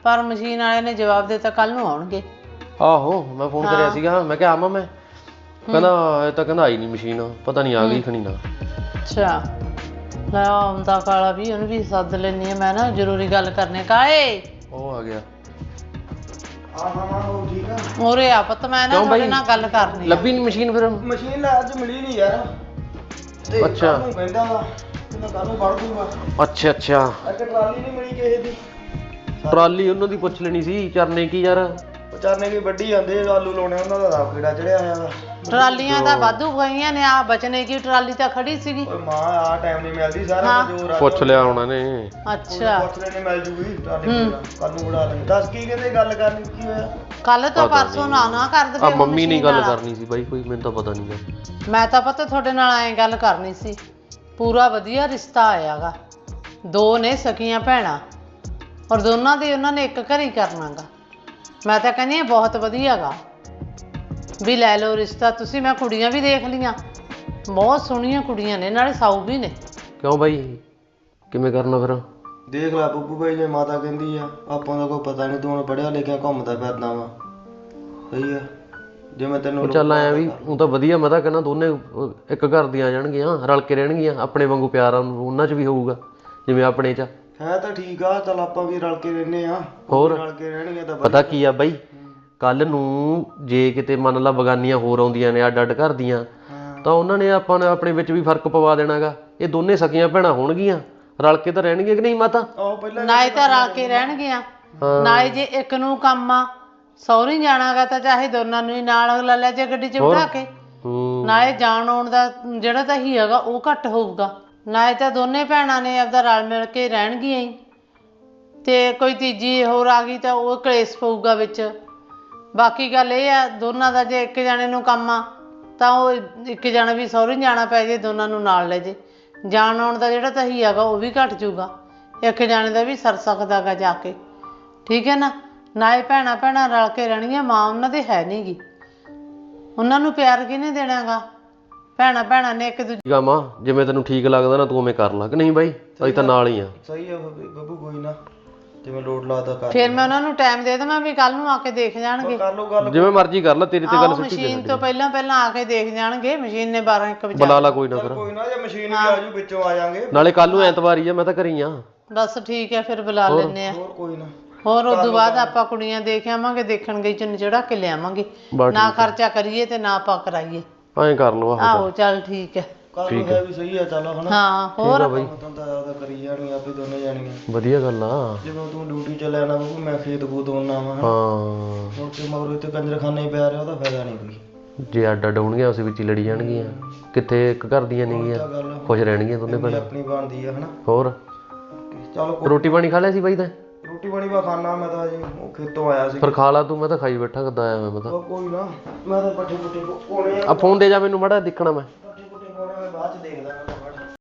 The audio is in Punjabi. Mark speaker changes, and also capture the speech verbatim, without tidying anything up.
Speaker 1: ਪਰ ਮਸ਼ੀਨ ਵਾਲੇ ਨੇ ਜਵਾਬ ਦਿੱਤਾ ਕੱਲ ਨੂੰ ਆਉਣਗੇ।
Speaker 2: ਆਹੋ ਮੈਂ ਫੋਨ ਕਰਿਆ ਸੀਗਾ, ਮੈਂ ਕਿਹਾ ਆਵਾਂ ਮੈਂ, ਕਹਿੰਦਾ ਇਹ ਤਾਂ ਕਹਿੰਦਾ ਆਈ ਨਹੀਂ ਮਸ਼ੀਨ, ਪਤਾ ਨਹੀਂ ਆ ਗਈ ਖਣੀ ਨਾ।
Speaker 1: ਅੱਛਾ ਲੈ ਆਉਂਦਾ ਕਾਲਾ ਵੀ, ਉਹਨੂੰ ਵੀ ਸੱਦ ਲੈਂਦੀ ਆ ਮੈਂ ਨਾ, ਜ਼ਰੂਰੀ ਗੱਲ ਕਰਨੀ। ਕਾਏ
Speaker 2: ਉਹ ਆ ਗਿਆ।
Speaker 3: ਹਾਂ ਹਾਂ ਹਾਂ ਉਹ ਠੀਕ ਆ।
Speaker 1: ਉਰੇ ਆ ਪੁੱਤ, ਮੈਂ ਨਾ ਤੁਹਾਡੇ ਨਾਲ ਗੱਲ ਕਰਨੀ।
Speaker 2: ਲੱਭੀ ਨਹੀਂ ਮਸ਼ੀਨ ਫਿਰ?
Speaker 3: ਮਸ਼ੀਨ ਲੈ ਅੱਜ ਮਿਲੀ ਨਹੀਂ ਯਾਰ। ਤੇ
Speaker 2: ਅੱਛਾ
Speaker 3: ਕੱਲ ਨੂੰ ਕਹਿੰਦਾ ਵਾ, ਕਹਿੰਦਾ ਕੱਲ ਨੂੰ ਵੜ ਦੂੰਗਾ।
Speaker 2: ਅੱਛਾ ਅੱਛਾ
Speaker 3: ਇੱਕ ਟਰਾਲੀ ਨਹੀਂ ਮਿਲੀ ਕਿਸੇ ਦੀ।
Speaker 2: ਟਰਾਲੀ ਉਹਨਾਂ ਦੀ ਪੁੱਛ ਲੈਣੀ ਸੀ, ਚਰਨੇ ਕੀ ਯਾਰ
Speaker 3: ਵਿਚਾਰਨੇ ਕੀ ਵੱਢੀ ਜਾਂਦੇ ਆਲੂ ਲਾਉਣੇ, ਉਹਨਾਂ ਦਾ ਰਾਹ ਕੀੜਾ ਚੜਿਆ ਹੋਇਆ ਵਾ।
Speaker 1: ਟਰਾਲੀਆਂ ਤਾਂ ਵਾਧੂ ਗਈਆਂ ਨੇ, ਆ ਬਚਨੇ ਕੀ ਟਰਾਲੀ ਤਾਂ ਖੜੀ ਸੀਗੀ।
Speaker 3: ਓਏ ਮਾਂ ਆ ਟਾਈਮ ਨਹੀਂ ਮਿਲਦੀ, ਸਾਰਾ ਜੋ ਰਾਤ
Speaker 2: ਪੁੱਛ ਲਿਆ ਉਹਨਾਂ ਨੇ।
Speaker 1: ਅੱਛਾ
Speaker 3: ਪੁੱਛ ਲੈਣੇ ਮਿਲ ਜੂਗੀ ਟਰਾਲੀ, ਕੱਲ ਨੂੰ ਵੜਾ ਲੈਂਦੇ। ਦੱਸ ਕੀ ਕਹਿੰਦੇ, ਗੱਲ ਕਰਨੀ ਕੀ ਹੋਇਆ?
Speaker 1: ਕੱਲ ਤੋਂ ਪਰਸੋਂ ਨਾ ਨਾ ਕਰ
Speaker 2: ਆ
Speaker 1: ਦੇਵੇ।
Speaker 2: ਮੰਮੀ ਨੇ ਗੱਲ ਕਰਨੀ ਸੀ ਬਾਈ, ਕੋਈ ਮੈਨੂੰ ਤਾਂ ਪਤਾ ਨਹੀਂ ਗਾ।
Speaker 1: ਮੈਂ ਤਾਂ ਪਤਾ ਤੁਹਾਡੇ ਨਾਲ ਐਂ ਗੱਲ ਕਰਨੀ ਸੀ। ਪੂਰਾ ਵਧੀਆ ਰਿਸ਼ਤਾ ਆਇਆਗਾ, ਦੋ ਨੇ ਸਕੀਆਂ ਭੈਣਾਂ, ਔਰ ਦੋਨਾਂ ਦੀ ਉਹਨਾਂ ਨੇ ਇੱਕ ਘਰ ਹੀ ਕਰਨਾਗਾ। ਮੈਂ ਤਾਂ ਕਹਿੰਦੀ ਹਾਂ ਬਹੁਤ ਵਧੀਆ ਗਾ, ਵੀ ਲੈ ਲਓ ਰਿਸ਼ਤਾ ਤੁਸੀਂ। ਮੈਂ ਕੁੜੀਆਂ ਵੀ ਦੇਖ ਲਈਆਂ, ਬਹੁਤ ਸੋਹਣੀਆਂ ਕੁੜੀਆਂ ਨੇ, ਨਾਲੇ ਸਾਊ ਵੀ ਨੇ।
Speaker 2: ਕਿਉਂ ਬਾਈ ਕਿਵੇਂ ਕਰਨਾ ਫਿਰ?
Speaker 3: ਦੇਖ ਲੈ ਬੱਬੂ ਭਾਈ, ਜੇ ਮਾਤਾ ਕਹਿੰਦੀ ਆ, ਆਪਾਂ ਦਾ ਕੋਈ ਪਤਾ ਨਹੀਂ, ਤੂੰ ਹੁਣ ਪੜ੍ਹਿਆ ਲਿਖਿਆ ਘੁੰਮਦਾ ਫਿਰਦਾ ਵਾ, ਸਹੀ ਆ। ਜਿਵੇਂ ਤੈਨੂੰ
Speaker 2: ਚੱਲ ਆਇਆ ਵੀ ਉਹ ਤਾਂ ਵਧੀਆ, ਮੈਂ ਤਾਂ ਕਹਿੰਦਾ ਦੋਨੇ ਇੱਕ ਘਰ ਦੀਆਂ ਆ ਜਾਣਗੀਆਂ, ਰਲ ਕੇ ਰਹਿਣਗੀਆਂ, ਆਪਣੇ ਵਾਂਗੂ ਪਿਆਰ ਉਹਨਾਂ 'ਚ ਵੀ ਹੋਊਗਾ ਜਿਵੇਂ ਆਪਣੇ 'ਚ
Speaker 3: ਹੈ। ਤਾਂ ਠੀਕ ਆ, ਚੱਲ ਆਪਾਂ ਵੀ ਰਲ ਕੇ ਰਹਿੰਦੇ ਆ,
Speaker 2: ਹੋਰ
Speaker 3: ਰਲ ਕੇ ਰਹਿਣਗੇ ਤਾਂ
Speaker 2: ਪਤਾ ਕੀ ਆ ਬਾਈ, ਕੱਲ ਨੂੰ ਜੇ ਕਿਤੇ ਮੰਨ ਲਾ ਬਗਾਨੀਆਂ ਹੋਰ ਆਉਂਦੀਆਂ ਨੇ ਅੱਡ ਅੱਡ ਘਰ ਦੀਆਂ, ਤਾਂ ਉਹਨਾਂ ਨੇ ਆਪਾਂ ਨੇ ਆਪਣੇ ਵਿੱਚ ਵੀ ਫਰਕ ਪਵਾ ਦੇਣਾਗਾ। ਇਹ ਦੋਨੇ ਸਕੀਆਂ ਭੈਣਾਂ ਹੋਣਗੀਆਂ, ਰਲ ਕੇ ਤਾਂ ਰਹਿਣਗੀਆਂ ਕਿ ਨਹੀਂ ਮਾਤਾ?
Speaker 1: ਨਾਲੇ ਤਾਂ ਰਲ ਕੇ ਰਹਿਣਗੀਆਂ, ਨਾਲੇ ਜੇ ਇੱਕ ਨੂੰ ਕੰਮ ਆ ਸਹੁਰੀ ਜਾਣਾਗਾ ਤਾਂ ਚਾਹੇ ਦੋਨਾਂ ਨੂੰ ਹੀ ਨਾਲ ਲੈ ਲੈ ਜੇ ਗੱਡੀ 'ਚ ਬਿਠਾ ਕੇ, ਨਾਲੇ ਜਾਣ ਆਉਣ ਦਾ ਜਿਹੜਾ ਤਾਂ ਹੀ ਹੈਗਾ ਉਹ ਘੱਟ ਹੋਊਗਾ। ਨਾਲੇ ਤਾਂ ਦੋਨੇ ਭੈਣਾਂ ਨੇ ਆਪਦਾ ਰਲ ਮਿਲ ਕੇ ਰਹਿਣਗੀਆਂ ਹੀ, ਤੇ ਕੋਈ ਤੀਜੀ ਹੋਰ ਆ ਗਈ ਤਾਂ ਉਹ ਕਲੇਸ਼ ਪਊਗਾ ਵਿੱਚ। ਬਾਕੀ ਗੱਲ ਇਹ ਆ ਦੋਨਾਂ ਦਾ, ਜੇ ਇੱਕ ਜਾਣੇ ਨੂੰ ਕੰਮ ਆ ਤਾਂ ਉਹ ਇੱਕ ਜਾਣਾ ਵੀ ਸਹੁਰੇ ਜਾਣਾ ਪੈ ਜੇ, ਦੋਨਾਂ ਨੂੰ ਨਾਲ ਲੈ ਜੇ, ਜਾਣ ਆਉਣ ਦਾ ਜਿਹੜਾ ਤਾਂ ਹੀ ਹੈਗਾ ਉਹ ਵੀ ਘੱਟ ਜੂਗਾ, ਇੱਕ ਜਾਣੇ ਦਾ ਵੀ ਸਰ ਸਕਦਾ ਗਾ ਜਾ ਕੇ, ਠੀਕ ਹੈ ਨਾ। ਨਾਲੇ ਭੈਣਾਂ ਭੈਣਾਂ ਰਲ ਕੇ ਰਹਿਣਗੀਆਂ, ਮਾਂ ਉਹਨਾਂ ਦੇ ਹੈ ਨੀ ਗੀ, ਉਹਨਾਂ ਨੂੰ ਪਿਆਰ ਕਿਹਨੇ ਦੇਣਾ ਗਾ? ਭੈਣਾਂ ਭੈਣਾਂ ਨੇ ਇੱਕ ਦੂਜੇ।
Speaker 2: ਮਾਂ ਜਿਵੇਂ ਤੈਨੂੰ ਠੀਕ ਲੱਗਦਾ ਨਾ ਤੂੰ ਉਵੇਂ ਕਰ ਲਾ, ਕਿ ਨਹੀਂ ਬਾਈ? ਅਸੀਂ ਤਾਂ ਨਾਲ ਹੀ ਆ।
Speaker 3: ਸਹੀ ਆ ਬੱਬੂ, ਕੋਈ ਨਾ ਜਿਵੇਂ ਲੋਡ ਲਾਦਾ ਕਰ।
Speaker 1: ਫਿਰ ਮੈਂ ਉਹਨਾਂ ਨੂੰ ਟਾਈਮ ਦੇ ਦੇਵਾਂ ਵੀ ਕੱਲ ਨੂੰ ਆ ਕੇ ਦੇਖ ਜਾਣਗੇ।
Speaker 3: ਕਰ ਲਓ ਗੱਲ,
Speaker 2: ਜਿਵੇਂ ਮਰਜ਼ੀ ਕਰ ਲੈ, ਤੇਰੀ ਤੇ ਗੱਲ ਸਿੱਧੀ
Speaker 1: ਮਸ਼ੀਨ ਤੋਂ ਪਹਿਲਾਂ ਪਹਿਲਾਂ ਆ ਕੇ ਦੇਖ ਜਾਣਗੇ। ਮਸ਼ੀਨ ਨੇ ਬਾਰਾਂ ਇੱਕ ਵਜੇ
Speaker 2: ਬੁਲਾ ਲਾ ਕੋਈ ਨਾ ਫਿਰ।
Speaker 3: ਕੋਈ ਨਾ, ਜੇ ਮਸ਼ੀਨ ਵੀ ਆ ਜੂ ਵਿੱਚੋਂ ਆ ਜਾਾਂਗੇ।
Speaker 2: ਨਾਲੇ ਕੱਲ ਨੂੰ ਐਤਵਾਰ ਹੀ ਆ, ਮੈਂ ਤਾਂ ਘਰੀ ਆ।
Speaker 1: ਬਸ ਠੀਕ ਹੈ, ਫਿਰ ਬੁਲਾ ਲੈਂਦੇ ਆ।
Speaker 3: ਹੋਰ ਕੋਈ ਨਾ,
Speaker 1: ਹੋਰ ਉਦੋਂ ਬਾਅਦ ਆਪਾਂ ਕੁੜੀਆਂ ਦੇਖ ਆਵਾਂਗੇ, ਦੇਖਣ ਗਈ ਚੁੰਨੀ ਚੜਾ ਕੇ ਲਿਆਵਾਂਗੇ, ਨਾ ਖਰਚਾ ਕਰੀਏ ਤੇ ਨਾ ਆਪਾਂ ਕਰਾਈਏ।
Speaker 2: ਐਂ ਕਰ ਲਓ।
Speaker 1: ਆਹੋ ਚੱਲ ਠੀਕ ਹੈ,
Speaker 3: ਕੱਲ ਨੂੰ ਹੈ ਵੀ ਸਹੀ ਆ, ਚੱਲ ਹਨਾ।
Speaker 1: ਹਾਂ ਹੋਰ
Speaker 3: ਤਾਂ ਤਾਂ ਕਰੀ ਜਾਣੀਆਂ ਆਪੇ ਦੋਨੇ ਜਾਣੀਆਂ,
Speaker 2: ਵਧੀਆ ਗੱਲ ਆ।
Speaker 3: ਜਦੋਂ ਤੂੰ ਡਿਊਟੀ ਚ ਲੈਣਾ ਬੱਬੂ, ਮੈਂ ਖੇਤ ਖੂਤ ਆਉਣਾ ਵਾ,
Speaker 2: ਹਾਂ
Speaker 3: ਹੁਣ ਤੇ ਮਗਰੋਂ ਇੱਥੇ ਕੰਜਰਖਾਨੇ ਹੀ ਪਿਆ ਰਿਹਾ, ਉਹਦਾ ਫਾਇਦਾ ਨਹੀਂ ਕੋਈ।
Speaker 2: ਜੇ ਅੱਡ ਅੱਡ ਹੋਣਗੀਆਂ ਉਸ ਵਿੱਚ ਹੀ ਲੜੀ ਜਾਣਗੀਆਂ, ਕਿੱਥੇ ਇੱਕ ਘਰ ਦੀਆਂ ਨੇਗੀਆਂ, ਖੁਸ਼ ਰਹਿਣਗੀਆਂ ਦੋਨੇ ਭੈਣਾਂ।
Speaker 3: ਆਪਣੀ ਬਣਦੀ ਆ ਹਨਾ।
Speaker 2: ਹੋਰ
Speaker 3: ਚਲੋ
Speaker 2: ਰੋਟੀ ਪਾਣੀ ਖਾ ਲਿਆ ਸੀ ਬਾਈ? ਤਾਂ
Speaker 3: ਰੋਟੀ ਪਾਣੀ ਬਾ ਖਾਣਾ, ਮੈਂ ਤਾਂ ਜੀ ਉਹ ਖੇਤੋਂ ਆਇਆ ਸੀ।
Speaker 2: ਫਿਰ ਖਾ ਲਾ ਤੂੰ, ਮੈਂ ਤਾਂ ਖਾਈ ਬੈਠਾ ਕਿੱਦਾਂ ਆਇਆ ਮੈਂ ਤਾਂ।
Speaker 3: ਕੋਈ ਨਾ, ਮੈਂ ਤਾਂ ਪੱਠੇ ਪੁੱਠੇ ਕੋਣੇ
Speaker 2: ਆ ਫੋਨ ਦੇ ਜਾ ਮੈਨੂੰ ਮਾੜਾ ਦੇਖਣਾ, ਮੈਂ
Speaker 3: ਪੱਠੇ ਪੁੱਠੇ ਕੋਣੇ ਮੈਂ ਬਾਅਦ ਚ ਦੇਖਦਾ।